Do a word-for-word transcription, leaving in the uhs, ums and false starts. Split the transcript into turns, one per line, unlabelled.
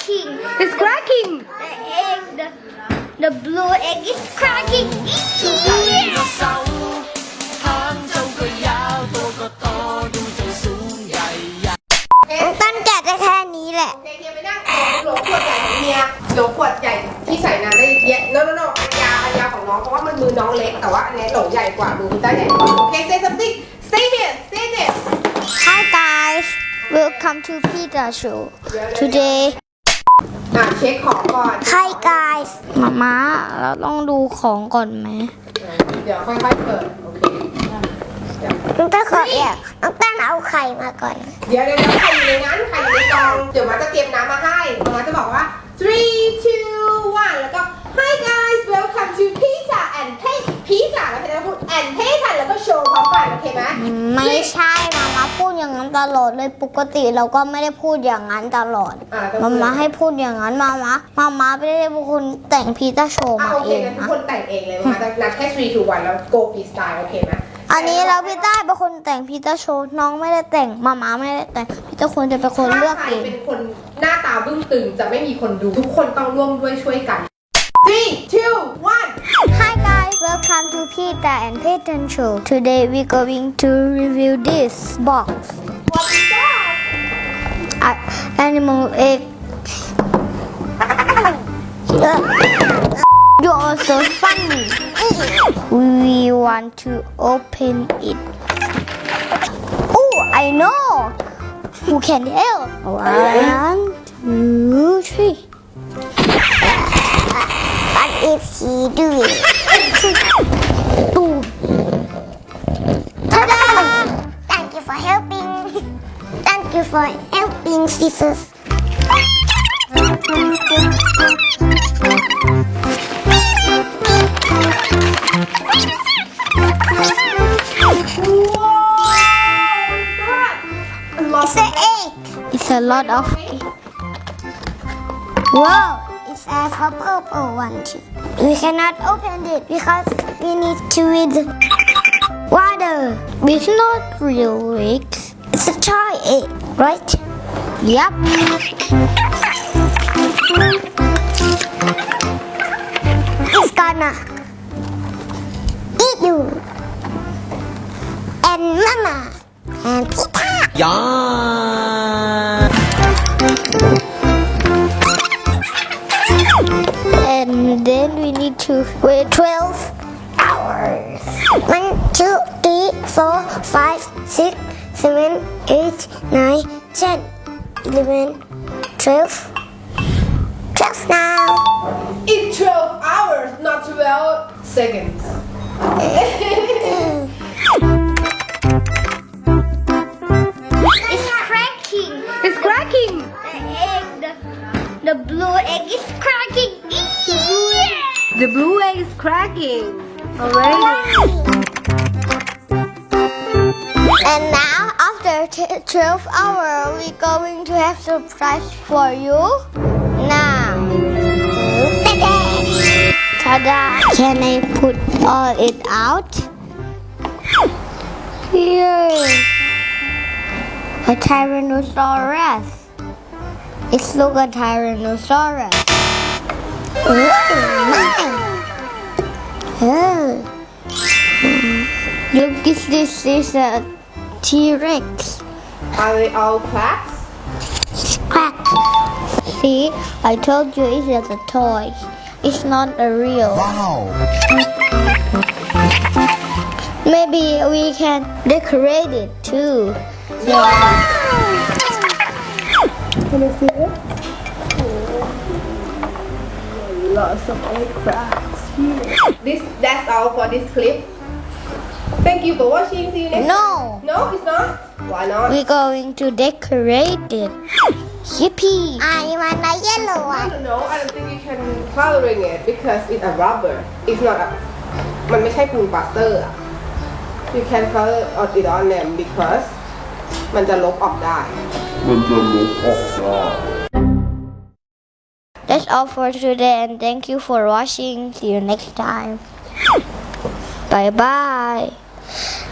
cracking.
It's cracking.
The egg, the, the blue egg is cracking. ต้นแกะได้แค่นี้แหละ
โอเคเฮียไปนั่งโหลขวดใหญ่ของเฮียโหลขวดใหญ่ที่ใส่น้ำได้เยอะโน่โน่โน่อันยาอันยาของน้องเพราะว่ามันมือน้องเล็กแต่ว่าอันนี้โหลใหญ่กว่ามือพี่ต้าใหญ่กว่าโอเค say something say it say it
Hi guys, welcome to Pizza Show. Today,
อ่ะเช็คของก่อน
Hi guys. มาม่าเราต้องดูของก่อนไหม
เดี๋ยวค่อยๆเปิดโอเค
น้องต้นขอเดี๋ยวน้องต้นเอาไข่มาก่อน
เดี๋ยวเดี๋ยวเดี๋ยวใครอยู่ในนั้นใครอยู่ในกล่องเดี๋ยวมาจะเตรียมน้ำมาให้มาจะบอกว่า three two one แล้วก็ Hi guys welcome to pizza and taste pizza แล้วพี่จะพูด and taste แล้วก็โชว์พร้อมกันโอเคไหม
ไม่ใช่มาม่าพูดอย่างนั้นตลอดเลยปกติเราก็ไม่ได้พูดอย่างนั้นตลอด
อ่ะ
มาม่าให้พูดอย่างนั้นมาม่ามาม่าไม่ได้เป็นคนแต่งพีซซ่าโชว์
อ่ะ
มา
โอ
เอ
เค
ง
งั้นทุก
นะ
คนแต่งเองเลยมาจะนับแค่ three two one แล้ว go freestyle โอเคไหม
อันนี้เราพี่ต้าเป็นคนแต่งพีซซ่าโชว์น้องไม่ได้แต่งมาม่าไม่ได้แต่งพี่ต้าควรจะเป็นคนเลือก
ถ้าใคร
เอง
เป็นคนหน้าตาบึ้งตึงจะไม่มีคนดูทุกคนต้องร่วมด้วยช่วยกัน three two one
Hi guys, welcome to Pizza and Peyton Show. Today we're going to review this box.
what is that
Uh, animal eggs. Uh, you are so funny. We want to open it. Oh, I know. Who can help? One, two, three. What is he doing? Boom. Ta-da! Thank you for helping. Thank you for helping, scissors. It's an egg. It's a lot of egg. Wow, it's a purple one too. We cannot open it because we need to with water. It's not real eggs. It's a toy egg, right? Yep. It's gonna eat you and mama and Pita.
Yeah.
And then we need to wait twelve hours. One, two, three, four, five, six, seven, eight, nine, ten, eleven, twelve. twelve now.
in twelve hours not twelve seconds
It's cracking.
it's cracking
The egg, the, the blue egg is cracking.
the blue egg is cracking already
And now, after t- twelve hours, we're going to have surprise for you. Now, ta-da! Can I put all it out? Here, a Tyrannosaurus. It's look a Tyrannosaurus. Oh. Look, this, this is a T-Rex.
are they all cracks
Crack. See, I told you it's just a toy. It's not a real.
Wow.
Maybe we can decorate it too.
can you see it lots of egg cracks here this that's all for this clip thank you for watching see you next
No,
no it's not why not
we're going to decorate it. Yippee! I want a yellow
I
one.
don't know I don't think you can coloring it because it's a rubber it's not a มันไม่ใช่ปูนปาสเตอร์อะ you can color it on them because มันจะลบออกได้
มันจะลบออกได้
That's all for today and thank you for watching. See you next time. Bye bye.